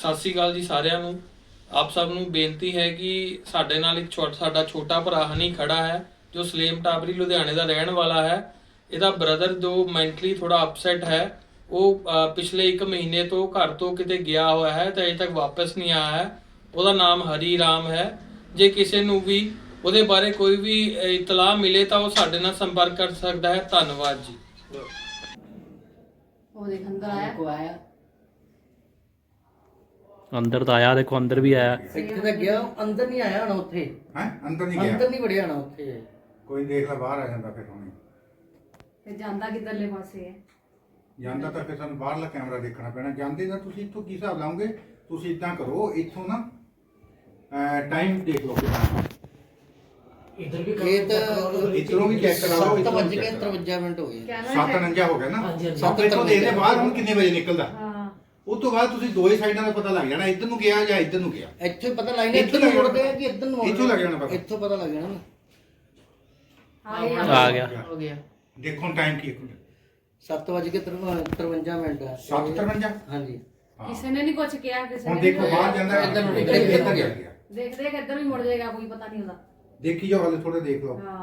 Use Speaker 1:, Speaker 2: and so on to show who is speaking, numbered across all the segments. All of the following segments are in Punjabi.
Speaker 1: ਸਤਿ ਸ਼੍ਰੀ ਅਕਾਲ ਜੀ ਸਾਰਿਆਂ ਨੂੰ। ਆਪ ਸਭ ਨੂੰ ਬੇਨਤੀ ਹੈ ਕਿ ਸਾਡੇ ਨਾਲ ਇੱਕ ਸਾਡਾ ਛੋਟਾ ਭਰਾ ਹਨੀ ਖੜਾ ਹੈ ਜੋ ਸਲੇਮ ਟਾਬਰੀ ਲੁਧਿਆਣੇ ਦਾ ਰਹਿਣ ਵਾਲਾ ਹੈ। ਇਹਦਾ ਬ੍ਰਦਰ ਜੋ ਮੈਂਟਲੀ ਥੋੜਾ ਅਪਸੈਟ ਹੈ, ਉਹ ਪਿਛਲੇ 1 ਮਹੀਨੇ ਤੋਂ ਘਰ ਤੋਂ ਕਿਤੇ ਗਿਆ ਹੋਇਆ ਹੈ ਤੇ ਅਜੇ ਤੱਕ ਵਾਪਸ ਨਹੀਂ ਆਇਆ ਹੈ। ਉਹਦਾ ਨਾਮ ਹਰੀ ਰਾਮ ਹੈ। ਜੇ ਕਿਸੇ ਨੂੰ ਵੀ ਉਹਦੇ ਬਾਰੇ ਕੋਈ ਵੀ ਇਤਲਾਹ ਮਿਲੇ ਤਾਂ ਉਹ ਸਾਡੇ ਨਾਲ ਸੰਪਰਕ ਕਰ ਸਕਦਾ ਹੈ। ਧੰਨਵਾਦ ਜੀ।
Speaker 2: ਉਹ ਦੇਖ ਅੰਦਰ ਆਇਆ
Speaker 3: को आया
Speaker 4: अंदर तो आया, देखो अंदर भी आया।
Speaker 3: ਇੱਥੇ ਤਾਂ ਗਿਆ ਅੰਦਰ ਨਹੀਂ ਆਇਆ ਹਣਾ ਉੱਥੇ
Speaker 5: ਹੈ ਅੰਦਰ ਨਹੀਂ ਗਿਆ,
Speaker 3: ਅੰਦਰ ਨਹੀਂ ਵੜਿਆ ਹਣਾ ਉੱਥੇ
Speaker 5: ਕੋਈ ਦੇਖ ਲਾ ਬਾਹਰ ਆ ਜਾਂਦਾ ਫਿਰ ਹੁਣੇ
Speaker 2: ਤੇ ਜਾਂਦਾ ਕਿੱਧਰਲੇ ਪਾਸੇ ਹੈ।
Speaker 5: ਜਾਂਦਾ ਤਾਂ ਫਿਰ ਸਾਨੂੰ ਬਾਹਰਲਾ ਕੈਮਰਾ ਦੇਖਣਾ ਪੈਣਾ। ਜਾਂਦੇ ਤਾਂ ਤੁਸੀਂ ਇੱਥੋਂ ਕੀ ਹਿਸਾਬ ਲਾਉਂਗੇ? ਤੁਸੀਂ ਇਦਾਂ ਕਰੋ, ਇੱਥੋਂ ਨਾ ਟਾਈਮ ਦੇਖ ਲਓ ਕਿੰਨਾ।
Speaker 3: ਇਹ ਤਾਂ
Speaker 5: ਇੱਧਰੋਂ ਵੀ ਚੈੱਕ ਕਰਾ ਲਓ,
Speaker 3: 7:53 ਮਿੰਟ ਹੋ ਗਏ।
Speaker 5: 7:49 ਹੋ ਗਿਆ ਨਾ।
Speaker 3: ਹਾਂਜੀ।
Speaker 5: ਸੱਤ ਇੱਥੋਂ ਦੇਖਦੇ ਬਾਹਰ ਹੁਣ ਕਿੰਨੇ ਵਜੇ ਨਿਕਲਦਾ।
Speaker 2: ਹਾਂ
Speaker 5: ਉਸ ਤੋਂ ਬਾਅਦ ਤੁਸੀਂ ਦੋਏ ਸਾਈਡਾਂ ਦਾ ਪਤਾ ਲੱਗ ਜਾਣਾ, ਇੱਧਰ ਨੂੰ ਗਿਆ ਜਾਂ ਇੱਧਰ ਨੂੰ ਗਿਆ।
Speaker 3: ਇੱਥੇ ਪਤਾ ਲੱਗ ਜਾਣਾ ਇੱਧਰ ਨੂੰ ਮੁੜਦੇ ਆ ਕਿ ਇੱਧਰ ਨੂੰ
Speaker 5: ਇੱਥੋਂ ਲੱਗ ਜਾਣਾ ਪਤਾ।
Speaker 3: ਇੱਥੋਂ ਪਤਾ ਲੱਗ ਜਾਣਾ ਨਾ।
Speaker 4: आ गया।
Speaker 3: ਹੋ ਗਿਆ।
Speaker 5: ਦੇਖੋ ਟਾਈਮ ਕੀ ਹੈ?
Speaker 3: 7:53 ਮਿੰਟ ਆ।
Speaker 5: 7:53।
Speaker 3: ਹਾਂਜੀ।
Speaker 2: ਕਿਸੇ ਨੇ ਨਹੀਂ ਕੁਝ ਕਿਹਾ, ਕਿਸੇ
Speaker 5: ਹੁਣ
Speaker 2: ਨੇ
Speaker 5: ਦੇਖੋ
Speaker 2: ਨੀ
Speaker 5: ਬਾਹਰ ਜਾਂਦਾ,
Speaker 3: ਇੱਧਰ ਨੂੰ
Speaker 5: ਇੱਧਰ ਗਿਆ।
Speaker 2: ਦੇਖਦੇ ਕਿ ਇੱਧਰ ਵੀ ਮੁੜ ਜਾਏਗਾ, ਕੋਈ ਪਤਾ ਨਹੀਂ ਉਹਦਾ।
Speaker 5: ਦੇਖੀ ਜਾਓ, ਹਾਲੇ ਥੋੜਾ ਦੇਖ ਲਓ।
Speaker 2: ਹਾਂ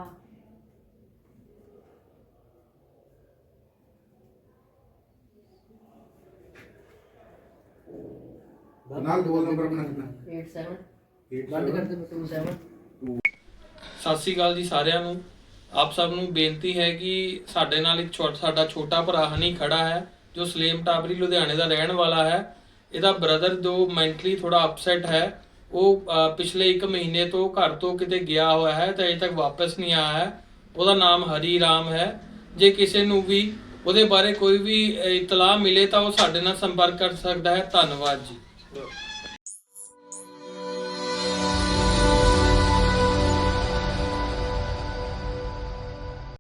Speaker 5: ਨਾਲ 2 ਨੰਬਰ ਬਣਾ ਦੇਣਾ।
Speaker 3: 87 ਬੰਦ ਕਰ ਦੇ 27।
Speaker 1: ਸਤਿ ਸ਼੍ਰੀ ਅਕਾਲ ਜੀ ਸਾਰਿਆਂ ਨੂੰ। ਆਪ ਸਭ ਨੂੰ ਬੇਨਤੀ ਹੈ ਕਿ ਸਾਡੇ ਨਾਲ ਇੱਕ ਸਾਡਾ ਛੋਟਾ ਭਰਾ ਹਨੀ ਖੜਾ ਹੈ ਜੋ ਸਲੇਮ ਟਾਬਰੀ ਲੁਧਿਆਣੇ ਦਾ ਰਹਿਣ ਵਾਲਾ ਹੈ। ਇਹਦਾ ਬ੍ਰਦਰ ਜੋ ਮੈਂਟਲੀ ਥੋੜਾ ਅਪਸੈਟ ਹੈ, ਉਹ ਪਿਛਲੇ 1 ਮਹੀਨੇ ਤੋਂ ਘਰ ਤੋਂ ਕਿਤੇ ਗਿਆ ਹੋਇਆ ਹੈ ਤੇ ਅਜੇ ਤੱਕ ਵਾਪਸ ਨਹੀਂ ਆਇਆ ਹੈ। ਉਹਦਾ ਨਾਮ ਹਰੀ ਰਾਮ ਹੈ। ਜੇ ਕਿਸੇ ਨੂੰ ਵੀ ਉਹਦੇ ਬਾਰੇ ਕੋਈ ਵੀ ਇਤਲਾਹ ਮਿਲੇ ਤਾਂ ਉਹ ਸਾਡੇ ਨਾਲ ਸੰਪਰਕ ਕਰ ਸਕਦਾ ਹੈ। ਧੰਨਵਾਦ ਜੀ।